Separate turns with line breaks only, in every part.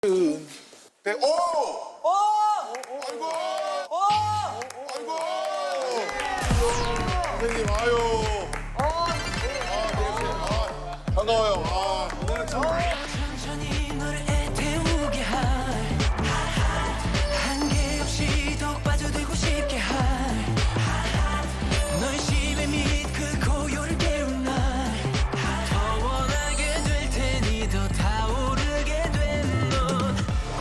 네, 오! 아이고! 아이고! 선생님, 아유. 반가워요. 오늘은 참.
천천히 너를 애태우게 한계 없이 더 빠져들고 싶게 널 심해 및 그 고요를 깨운 날더 원하게 될 테니 더 타오르게 된 넌.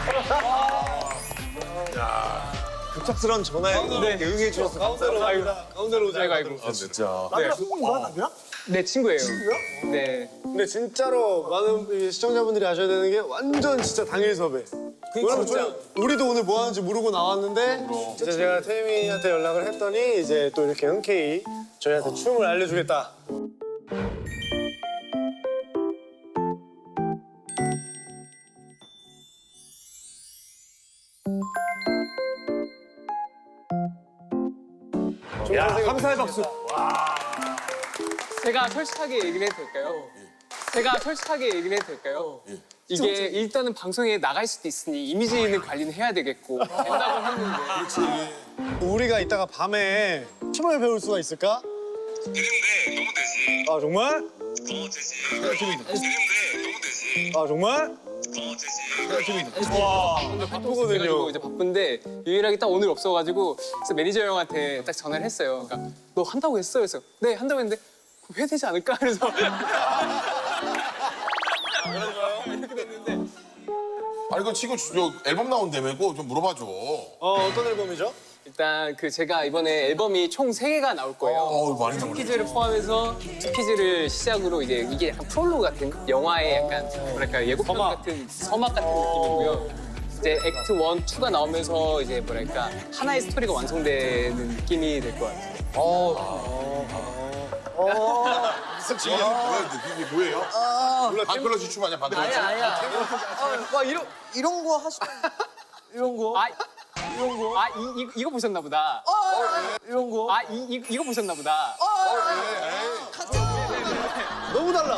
급작스러운 전화에 응해 주셔서 감사합니다. 가운데로 오세요.
아이고.
진짜.
나비랑 친구인가? 나비랑?
네, 친구예요.
친구야?
네.
근데 진짜로 많은 시청자분들이 아셔야 되는 게 완전 진짜 당일 섭외. 왜냐면 우리도 오늘 뭐 하는지 모르고 나왔는데 이제 제가 태민이한테 연락을 했더니 이제 또 이렇게 흔쾌히 저희한테 춤을 알려주겠다. 야, 감사의 박수.
제가 솔직하게 얘기를 해도 될까요? 제가 솔직하게 얘기를 해도 될까요? 이게 일단은 방송에 나갈 수도 있으니 이미지는 관리는 해야 되겠고 된다고 했는데
우리가 이따가 밤에 춤을 배울 수가 있을까?
되는데 너무 되지.
아 정말?
되지. 되는데 너무 되지.
아 정말?
되지.
와
그래가지고
바쁘거든요.
이제 바쁜데 유일하게 딱 오늘 없어가지고 그래서 매니저 형한테 딱 전화를 했어요. 그러니까 너 한다고 했어? 그래서 네 한다고 했는데 왜 되지 않을까? 그래서 이렇게 됐는데
아니, 그 지금 저 앨범 나온다며, 그거 좀 물어봐줘.
어떤 앨범이죠?
일단 그 제가 이번에 앨범이 총 3개가 나올 거예요.
많이 나오네.
퀴즈를 포함해서 퀴즈를 시작으로 이게 약간 프롤로그 같은 영화의 약간 뭐랄까 예고편 같은 서막 같은 느낌이고요. 이제 액트 1, 2가 나오면서 이제 뭐랄까 하나의 스토리가 완성되는 느낌이 될 것 같아요.
지금 이게 뭐예요? 반클러시 춤 아니야, 반클러시?
와 이런 거 하시 이런 거
이거 보셨나 보다.
이런 거
이거 보셨나 보다.
너무 달라.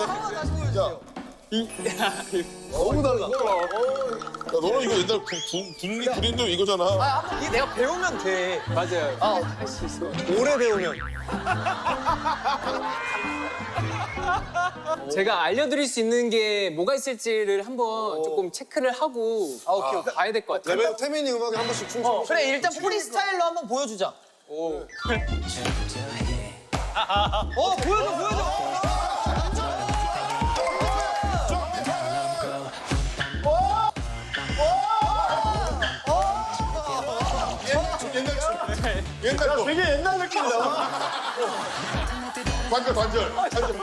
너무 달라.
야, 너는 이거 옛날 군인들 이거잖아.
이게 내가 배우면 돼.
맞아요. 할 수 있어.
오래 배우면.
제가 알려드릴 수 있는 게 뭐가 있을지를 한번 조금 체크를 하고 봐야 될 것 같아요.
레벨 태민이 음악에 한 번씩 춤춰.
그래 일단 프리스타일로 한번 보여주자. 보여줘.
옛날 거.
되게 옛날 느낌이다.
관절.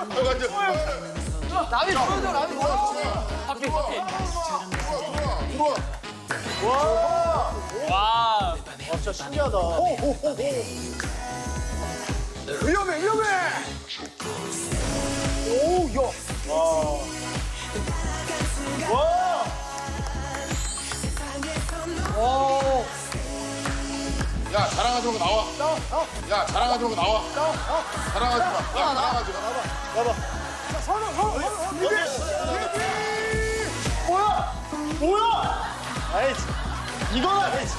남이 보여줘.
들어와.
와.
진짜 신기하다. 위험해. 오, 야. 와.
야, 자랑하지 말고 나와. 야, 자랑하지 말고 나와. 자랑하지 마. 야, 자랑하지 마.
봐봐. 뭐야? 아이, 이거나 될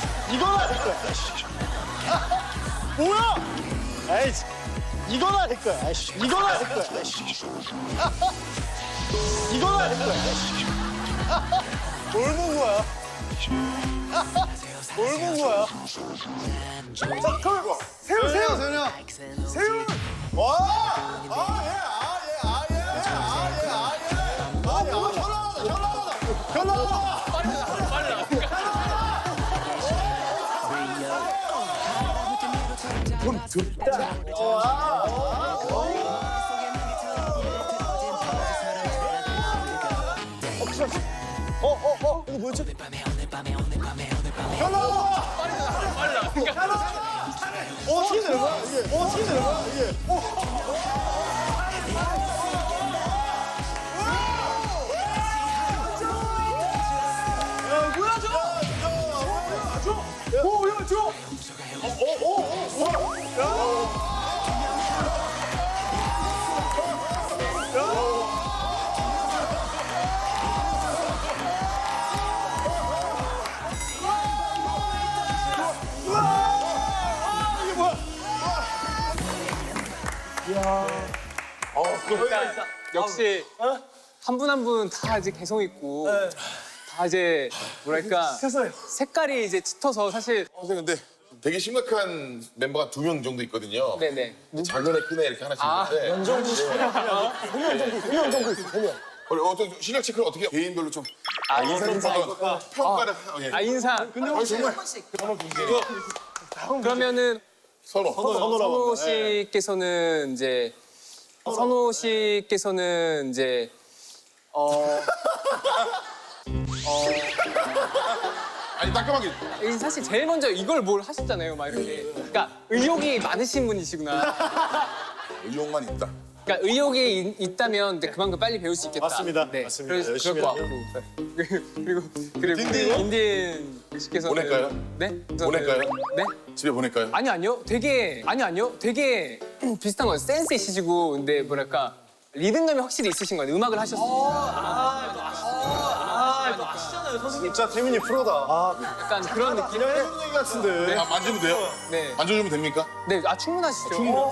거야. 뭐야? 아이, 이거나 될 거야. 아이씨, 이거나 될 거야. 뭘 본 거야? 자, 그럼 세훈. 와! 현아! 이거 뭐였지? 현아! 어떻게 되는 거야, 이게?
그러니까 역시 한 분 한 분 다 이제 개성 있고 다 이제 뭐랄까 색깔이 이제 짙어서 사실
선생님 근데 되게 심각한 멤버가 2명 정도 있거든요.
네네.
작은 애, 큰 애 이렇게 하나씩 있는데.
연정도 있어. 3명 정도 있어. 3명.
어떤 실력 체크를 어떻게 개인별로 좀 평가를 예.
인상.
정말
그러면은
선호.
선호 씨께서는 이제
아니 따끔하게
사실 제일 먼저 이걸 뭘 하셨잖아요, 막 이렇게. 그러니까 의욕이 많으신 분이시구나.
의욕만 있다.
그러니까 의욕이 있다면 이제 그만큼 빨리 배울 수 있겠다.
맞습니다.
네,
맞습니다.
그럴
열심히
것 같고. 그리고 인디엔 씨께서는
보낼까요?
네?
보낼까요?
네?
집에 보낼까요?
아니요. 되게 비슷한 거예요. 센스 있으시고 근데 뭐랄까 리듬감이 확실히 있으신 거예요. 음악을 하셨어요.
진짜 태민이 프로다.
약간 그런 느낌.
그냥 해준 얘기 같은데.
만지면 돼요?
네.
만져주면 됩니까?
네, 충분하시죠.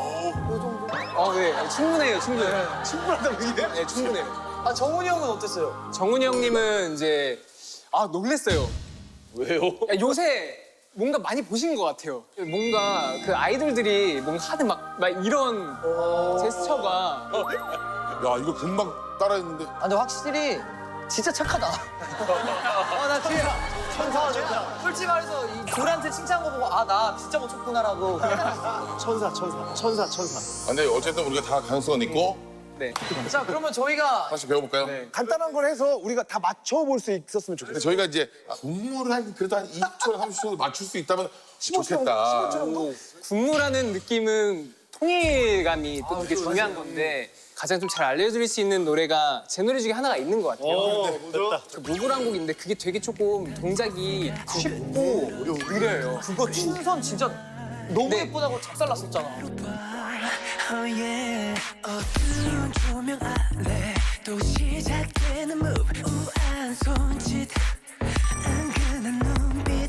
네, 충분해요. 충분하다고 이게? 네, 충분해요.
정훈이 형은 어땠어요?
정훈이 형님은 이제 놀랬어요. 왜요? 요새 뭔가 많이 보신 것 같아요. 뭔가 그 아이돌들이 뭔가 하는 막 이런 제스처가
야 이거 금방 따라했는데.
근데 확실히 진짜 착하다. 나 진짜 천사. 솔직히 말해서 이 둘한테 칭찬한 거 보고 나 진짜 못 췄구나라고.
천사.
근데 어쨌든 우리가 다 가능성은 있고
네.
자, 그러면 저희가
다시 배워볼까요?
네.
간단한 걸 해서 우리가 다 맞춰볼 수 있었으면 좋겠어.
근데 저희가 이제 국물을 그래도 한 20초나 30초 정도 맞출 수 있다면 좋겠다.
군무라는 느낌은 통일감이 또 되게 중요한 건데 가장 좀 잘 알려드릴 수 있는 노래가 제 노래 중에 하나가 있는 것 같아요.
됐다.
그 무브란 곡인데 그게 되게 조금 동작이 쉽고 느려요.
그거 춘선 진짜 너무
네.
예쁘다고 작살났었잖아.
Oh yeah. 어두운 조명 아래 또 시작되는 move 우아한 손짓 은근한 눈빛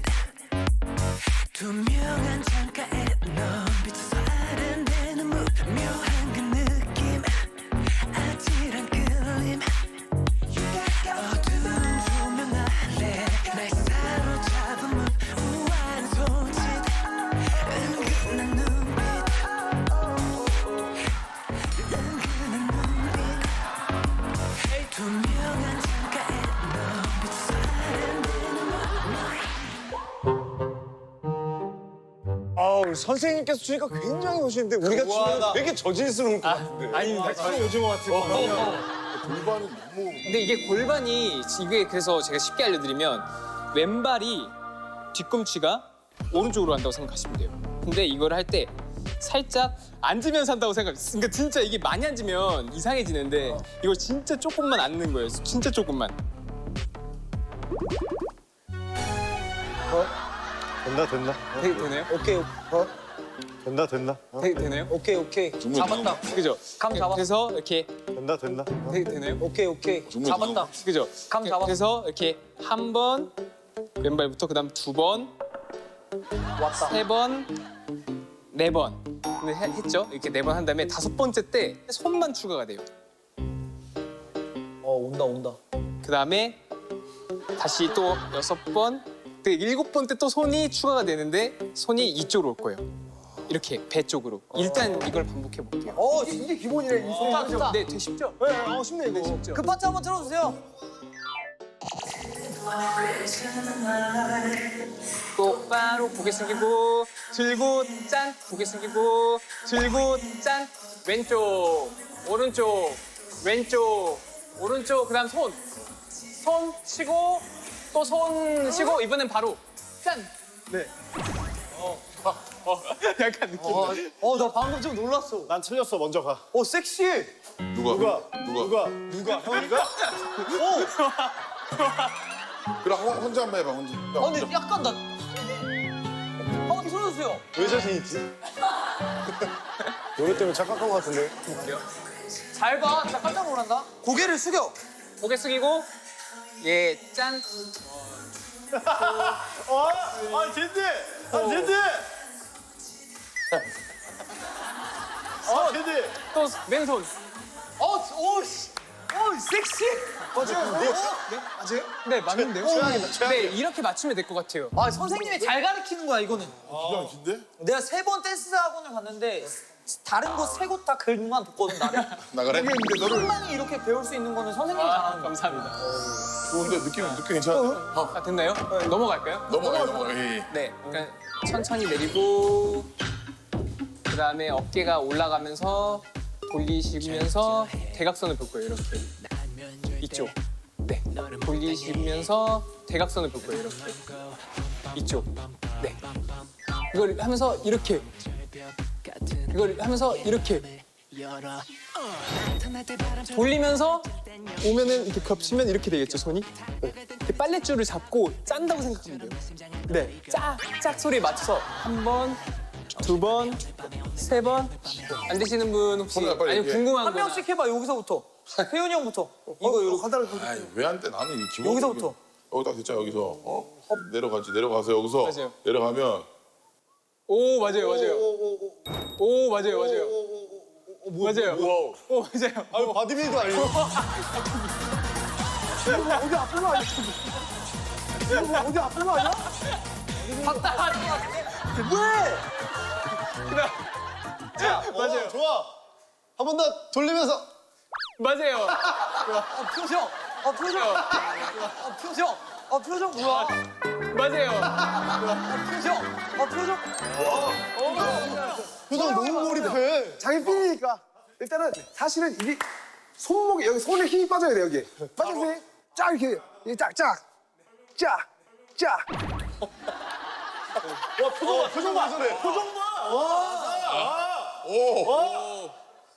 투명한 창가에 넌 비춰서 아른대는 move 묘한 그 느낌 아찔한 끌림 어두운 조명 아래 날 사로잡은 move 우아한 손짓 은근한 눈빛 투명한 창가에 넌 비춰서
아우 선생님께서 주니까 굉장히 오시는데 우리가 주면 되게 저질스러울 것 같은데.
아닙니다.
오징어 같은 거.
골반이 너무
근데 이게 골반이 이게 그래서 제가 쉽게 알려드리면 왼발이 뒤꿈치가 오른쪽으로 간다고 생각하시면 돼요. 근데 이걸 할 때 살짝 앉으면서 한다고 생각해요. 그러니까 진짜 이게 많이 앉으면 이상해지는데 이걸 진짜 조금만 앉는 거예요. 진짜 조금만.
된다.
되나요?
오케이.
된다.
되나요?
오케이. 잡았다.
그죠?
감 잡았어.
그래서 이렇게
된다.
되나요?
오케이. 잡았다.
그죠?
감 잡았어.
그래서 이렇게 한 번 왼발부터 그다음 2번,
왔다.
3번, 4번. 근데 했죠? 이렇게 4번 한 다음에 5번째 때 손만 추가가 돼요.
온다.
그다음에 다시 또 6번, 그 7번 때 또 손이 추가가 되는데 손이 이쪽으로 올 거예요. 이렇게 배 쪽으로. 일단 이걸 반복해 볼게요.
이게 기본이래. 좋다.
네, 되게 쉽죠?
네, 쉽네 이거.
쉽죠?
그 파트 한번 틀어주세요.
똑바로 고개 숙이고 들고 짠 고개 숙이고 들고 짠 왼쪽 오른쪽 왼쪽 오른쪽 그다음 손 치고 또 손 치고 이번엔 바로 짠. 네. 약간 느낌.
나 방금 좀 놀랐어.
난 틀렸어. 먼저 가.
섹시해.
누가?
형이가?
그럼 혼자 한번 해봐 혼자.
근데 약간 나. 한번 틀어주세요.
왜 자신 있지? 노래 때문에 착각한 것 같은데.
잘 봐. 진짜 깜짝 놀란다. 고개를 숙여.
고개 숙이고 예 짠.
젠지! 걔들.
또 왼손.
섹시.
맞아요?
네, 맞는데요?
최악이다.
네, 이렇게 맞추면 될 것 같아요.
아 선생님이 잘 가르치는 거야 이거는.
기가 막힌데?
내가 3번 댄스 학원을 갔는데 다른 곳 3곳 다 글만 뒀거든 나를.
나 그래?
한방에 이렇게 배울 수 있는 거는 선생님이 잘하는 거야.
감사합니다.
좋은데 느낌 괜찮아?
아, 됐나요? 넘어갈까요?
넘어가.
네, 그러니까 천천히 내리고 그 다음에 어깨가 올라가면서 돌리시면서 대각선을 볼 거예요, 이렇게. 이쪽. 네. 돌리시면서 대각선을 볼 거예요, 이렇게. 이쪽. 네. 이걸 하면서 이렇게. 이걸 하면서 이렇게. 돌리면서 오면은 이렇게 겹치면 이렇게 되겠죠, 손이? 네. 이렇게 빨랫줄을 잡고 짠다고 생각하면 돼요. 네. 짝 소리에 맞춰서 한 번, 두 번, 세 번. 안 되시는 분 혹시
손을 빨리
아니
이렇게.
궁금한
한
거나
명씩 해봐 여기서부터. 태훈이 형부터. 이거 이렇게.
아이 왜 안 돼? 나는 이 기본.
여기서부터.
여기 딱 됐잖아 여기서. 헙 내려가서 여기서
맞아요.
내려가면
오 맞아요. 오 맞아요. 맞아요.
와우.
오 맞아요.
아유 바디빌더 아니에요?
어디 아픈 거 아니야? 어디 아픈 거 아니야? 봤다. 왜?
맞아요. 좋아. 한 번 더 돌리면서.
맞아요.
표정. 표정. 표정 뭐야?
맞아요.
표정.
표정 너무 몰입해.
자기 필이니까 일단은 사실은 이게 손목에 여기 손에 힘이 빠져야 돼 여기 빠져서 쫙 이렇게 쫙.
와 표정 봐. 표정 봐.
오.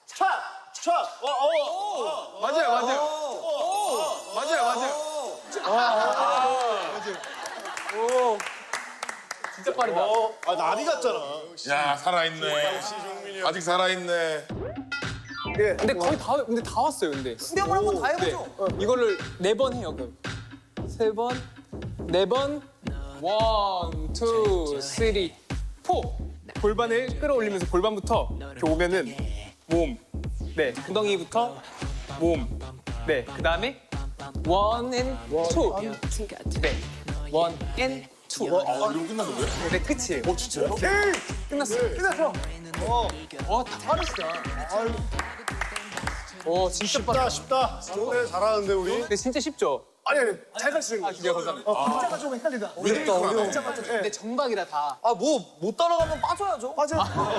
진짜 빠르다.
아 나비 같잖아.
야 살아있네. 아직 살아있네.
근데 거의 다 근데 다 왔어요. 근데.
수렴을 한번 다 해보죠.
이거를 4번 해요. 그럼 3번, 4번, 1, 2, 3, 4. 골반을 끌어올리면서 골반부터 이렇게 오면은 몸, 네 엉덩이부터 몸, 네 그 다음에 1 and 2, 네 1 and 2.
아 이거 끝난 거예요?
네 끝이에요.
진짜요?
끝났어요.
끝났어
다 빠르시다. 진짜 빠르다.
쉽다. 네, 잘하는데 우리.
근데 진짜 쉽죠?
아니 잘 가르치는
아
거지
기대가 감사합니다.
진짜가 조금 헷갈리다
어렵다 어려워.
근데 정박이라 다.
아 뭐 못 따라가면 빠져야죠.
맞아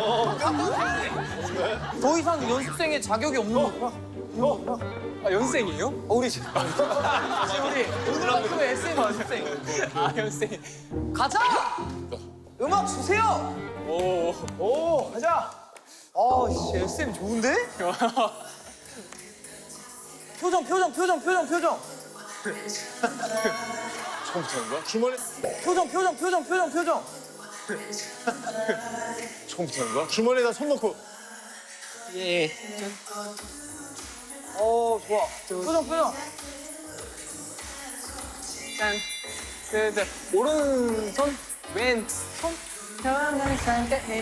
더 이상 연습생의 자격이 없는 거.
아 연생이에요?
우리 지금 우리 오늘 학교 SM 연습생.
아 연생.
가자. 음악 주세요.
오.
가자
아씨 SM 좋은데? 표정.
처음부터인가? 주머니.
표정.
처음부터인가?
주머니에다 손 넣고.
예.
좋아. 표정.
짠. 네. 오른손, 왼손. 편안한 상태에.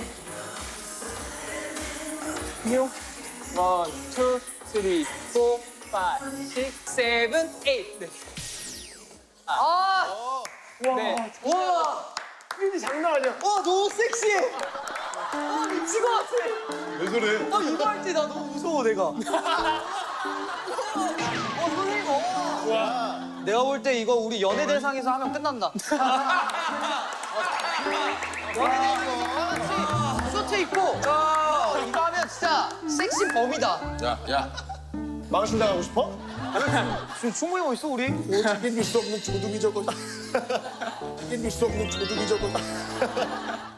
6, 1, 2, 3, 4, 5, 6, 7, 8. 네. 네.
와.
필이 장난 아니야
와 너무 섹시해. 미친 것 같아.
왜 그래?
이거 할 때 나 너무 무서워 내가. 선생님. 내가 볼 때 이거 우리 연예대상에서 하면 끝난다. 연예대상 수트 입고 이거 하면 진짜 섹시 범이다.
야.
망신 당하고 싶어?
지금 충분히 멋있어 우리.
이길 수 없는 조둥이 저거 이길 수 없는 조둥이 저거